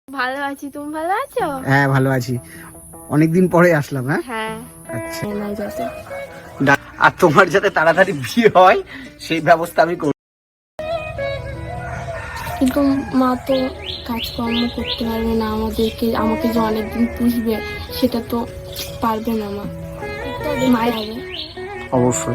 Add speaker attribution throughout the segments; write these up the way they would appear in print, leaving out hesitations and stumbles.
Speaker 1: ভালো আছি, তুমি ভালো আছো?
Speaker 2: হ্যাঁ ভালো আছি, অনেকদিন পরে আসলাম। হ্যাঁ
Speaker 1: হ্যাঁ।
Speaker 2: আচ্ছা,
Speaker 1: নাই যাতে
Speaker 2: আর তোমার যাতে তাড়াতাড়ি বিয়ে হয় সেই ব্যবস্থা আমি করব।
Speaker 1: কিন্তু মা তো কাজকর্ম করতে পারবে না, আমাকে যে অনেকদিন পুষবে সেটা তো পারবে না মা। মায়ের হবে।
Speaker 2: অবশ্যই,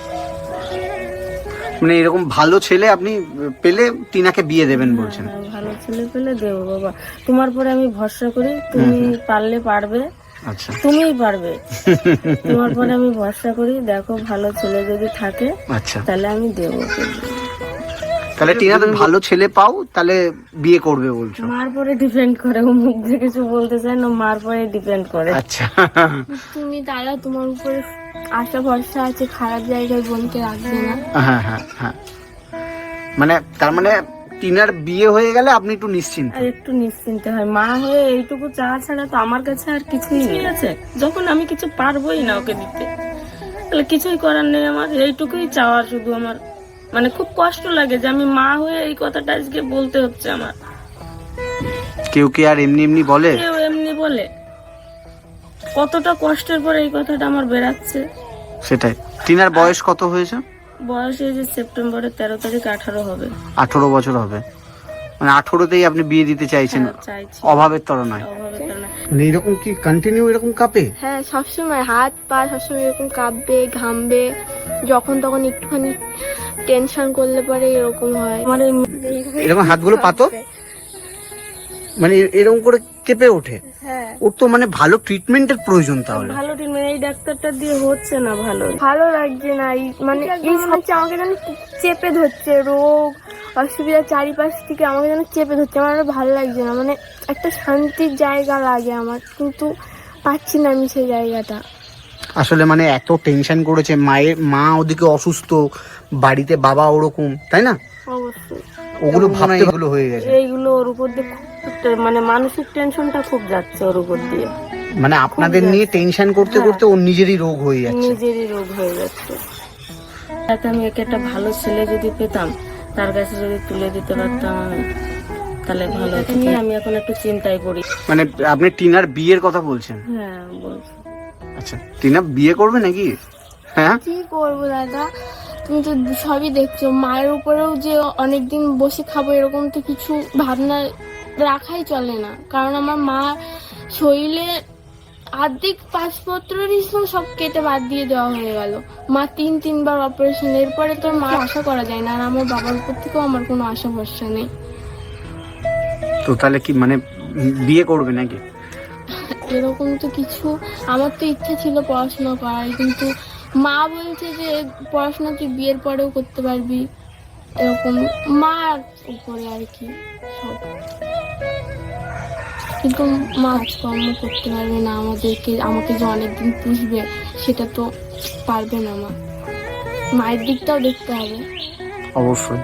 Speaker 2: মানে এরকম ভালো ছেলে আপনি পেলে টিনাকে বিয়ে দেবেন বলছেন।
Speaker 3: হ্যাঁ, ভালো ছেলে পেলে দেবো বাবা, তোমার পরে আমি ভরসা করি, তুমি পারলে পারবে,
Speaker 2: আচ্ছা
Speaker 3: তুমিই পারবে। তোমার পরে আমি ভরসা করি, দেখো ভালো ছেলে যদি থাকে
Speaker 2: আচ্ছা,
Speaker 3: তাহলে আমি দেবো।
Speaker 2: তাহলে টিনা তুমি ভালো ছেলে পাও তাহলে বিয়ে করবে বলছো।
Speaker 3: মার পরে ডিপেন্ড করে, ও মুখ দিয়ে কিছু বলতে চায় না, মার পরে ডিপেন্ড করে।
Speaker 2: আচ্ছা
Speaker 1: তুমি দাদা, তোমার উপরে আশা ভরসা আছে, খারাপ জায়গায় বোনকে রাখবে না।
Speaker 2: হ্যাঁ হ্যাঁ হ্যাঁ, মানে তার মানে টিনার বিয়ে হয়ে গেলে আপনি একটু নিশ্চিন্ত।
Speaker 3: আর একটু নিশ্চিন্তে হয়, মা হয়ে এইটুকু চাওয়া ছাড়া তো আমার কাছে আর কিছুই নেই আছে। যখন আমি কিছু পারবোই না ওকে দিতে, তাহলে কিছুই করার নেই আমার, এইটুকুই চাওয়া শুধু আমার। মানে খুব কষ্ট লাগে যে আমি মা হয়ে এই কথাটা আজকে বলতে হচ্ছে আমার।
Speaker 2: কেউ কি আর এমনি এমনি বলে?
Speaker 3: কেউ এমনি বলে? কতটা কষ্টের পরে এই কথাটা আমার বেরাচ্ছে।
Speaker 2: সেটাই। টিনার বয়স কত হয়েছে?
Speaker 3: বয়স এই যে সেপ্টেম্বরের 13 তারিখ 18 হবে।
Speaker 2: 18 বছর হবে, মানে 18তেই আপনি বিয়ে দিতে চাইছেন?
Speaker 3: হ্যাঁ, চাইছি।
Speaker 2: অভাবের তর নয়?
Speaker 3: অভাবের কারণে।
Speaker 2: মানে এরকম কি কন্টিনিউ এরকম কাঁপে?
Speaker 1: হ্যাঁ, সবসময় হাত পা সবসময় এরকম কাঁপবে, ঘামবে, যখন তখন একটুখানি টেনশন করলে পরে এরকম হয়।
Speaker 3: আমার এই
Speaker 2: এরকম হাতগুলো পাতো, মানে এরকম করে কেঁপে ওঠে।
Speaker 1: হ্যাঁ,
Speaker 2: ওর তো মানে ভালো ট্রিটমেন্টের প্রয়োজন তাহলে।
Speaker 3: ভালো ট্রিটমেন্ট এই ডাক্তারটা দিয়ে হচ্ছে না ভালো।
Speaker 1: ভালো লাগছে না। মানে এই হচ্ছে আমাকে যেন চেপে ধরছে, রোগ অসুবিধা চারিপাশ থেকে আমাকে যেন চেপে ধরছে। আমার আর ভালো লাগছে না, মানে একটা শান্তির জায়গা লাগে আমার, কিন্তু পাচ্ছি না আমি সেই জায়গাটা।
Speaker 2: আসলে মানে এত টেনশন করেছে, মা ওদিকে অসুস্থ, বাড়িতে বাবা ওরকম, তাই না?
Speaker 1: অবশ্যই
Speaker 2: ওগুলো ভাবতে এগুলো হয়ে গেছে।
Speaker 3: এইগুলো ওর উপর দিয়ে মানে মানসিক টেনশনটা খুব যাচ্ছে ওর উপর দিয়ে।
Speaker 2: মানে আপনাদের নিয়ে টেনশন করতে করতে ওর নিজেরই রোগ হয়ে যাচ্ছে।
Speaker 3: নিজেরই রোগ হয়ে যাচ্ছে। যাতে আমি একে একটা ভালো ছেলে যদি পেতাম, তার কাছে যদি তুলে দিতে পারতাম আমি, তাহলে ভালো হতো। নিয়ে আমি এখন একটু চিন্তায় পড়ি।
Speaker 2: মানে আপনি টিনার বিয়ের কথা বলছেন?
Speaker 3: হ্যাঁ বলছি।
Speaker 2: আচ্ছা, টিনা বিয়ে করবে নাকি? হ্যাঁ,
Speaker 1: কি করবো দাদা, তুমি তো সবই দেখছো। মায়ের উপরেও যে অনেকদিন বসে খাবো এরকম তো কিছু ভাবনা রাখাই চলে না, কারণ আমার মা শরীরে আর্ধেক পাসপত্রেরই সব কেটে বাদ দিয়ে দেওয়া হয়ে গেল। মা তিনবার অপারেশন, এরপরে তো মা আশা করা যায় না। আর আমার বাবার উপর থেকেও আমার কোনো আশা ভরসা নেই।
Speaker 2: তো তাহলে কি মানে বিয়ে করবে নাকি?
Speaker 1: এরকম তো কিছু, আমার তো ইচ্ছা ছিল পড়াশোনা করার, কিন্তু মা বলছে যে পড়াশোনা তুই বিয়ের পরেও করতে পারবি, এরকম মার উপরে আর কি সব। কিন্তু মা কাজকর্ম করতে পারবে না, আমাকে যে অনেকদিন পুষবে সেটা তো পারবে না মা। মায়ের দিকটাও দেখতে হবে।
Speaker 2: অবশ্যই,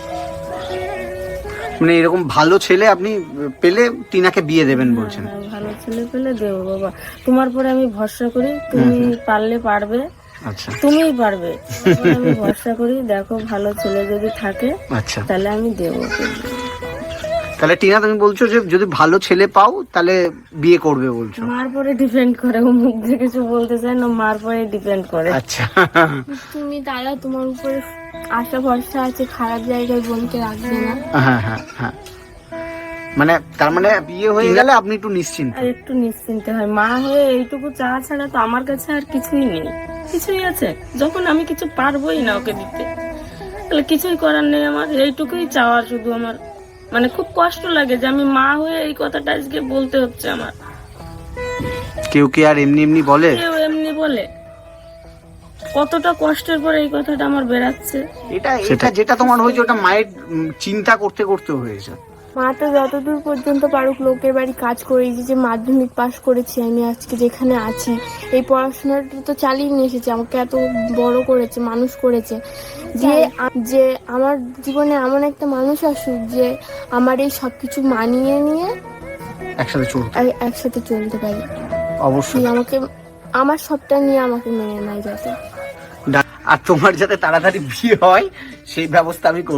Speaker 2: মানে এরকম ভালো ছেলে আপনি পেলে টিনাকে বিয়ে দেবেন বলছেন।
Speaker 3: হ্যাঁ, ভালো ছেলে পেলে দেবো বাবা, তোমার পরে আমি ভরসা করি, তুমি পারলে পারবে,
Speaker 2: আচ্ছা
Speaker 3: তুমিই পারবে। তোমার পরে আমি ভরসা করি, দেখো ভালো ছেলে যদি থাকে
Speaker 2: আচ্ছা,
Speaker 3: তাহলে আমি দেবো।
Speaker 2: তাহলে টিনা তুমি বলছো যে যদি ভালো ছেলে পাও তাহলে বিয়ে করবে বলছো।
Speaker 3: মার পরে ডিপেন্ড করে, ও মুখ দিয়ে কিছু বলতে চায় না, মার পরে ডিপেন্ড করে।
Speaker 2: আচ্ছা
Speaker 1: তুমি দাদা, তোমার উপরে আশা ভরসা আছে, খারাপ জায়গায় বোনকে রাখবে না।
Speaker 2: হ্যাঁ হ্যাঁ হ্যাঁ, মানে তার মানে বিয়ে হয়ে গেলে আপনি একটু নিশ্চিন্ত।
Speaker 3: আর একটু নিশ্চিন্তে হয়, মা হয়ে এইটুকু চাওয়া ছাড়া তো আমার কাছে আর কিছুই নেই। কিছুই আছে যখন আমি কিছু পারবোই না ওকে দিতে, তাহলে কিছুই করার নেই আমার, এইটুকুই চাওয়া শুধু আমার। মানে খুব কষ্ট লাগে যে আমি মা হয়ে এই কথাটা আজকে বলতে হচ্ছে আমার।
Speaker 2: কেউ কি আর এমনি এমনি বলে?
Speaker 3: কেউ এমনি বলে? কতটা কষ্টের পরে এই কথাটা আমার বেরাচ্ছে।
Speaker 2: এটা যেটা তোমার হয়েছে ওটা মায়ের চিন্তা করতে করতে হয়েছে।
Speaker 1: মা তো যতদূর পর্যন্ত পারুক লোকের বাড়ি কাজ করেছি, যে মাধ্যমিক পাশ করেছি আমি আজকে যেখানে আছি, এই পড়াশোনাটা তো চালিয়ে নিয়ে এসেছে, আমাকে এত বড় করেছে, মানুষ করেছে। যে আমার জীবনে এমন একটা মানুষ আসুক যে আমার এই সবকিছু মানিয়ে নিয়ে একসাথে চলতে পারি।
Speaker 2: অবশ্যই,
Speaker 1: আমাকে আমার সবটা নিয়ে আমাকে মেনে নেয় যাতে।
Speaker 2: আর তোমার যাতে তাড়াতাড়ি বিয়ে হয় সেই ব্যবস্থা আমি করব।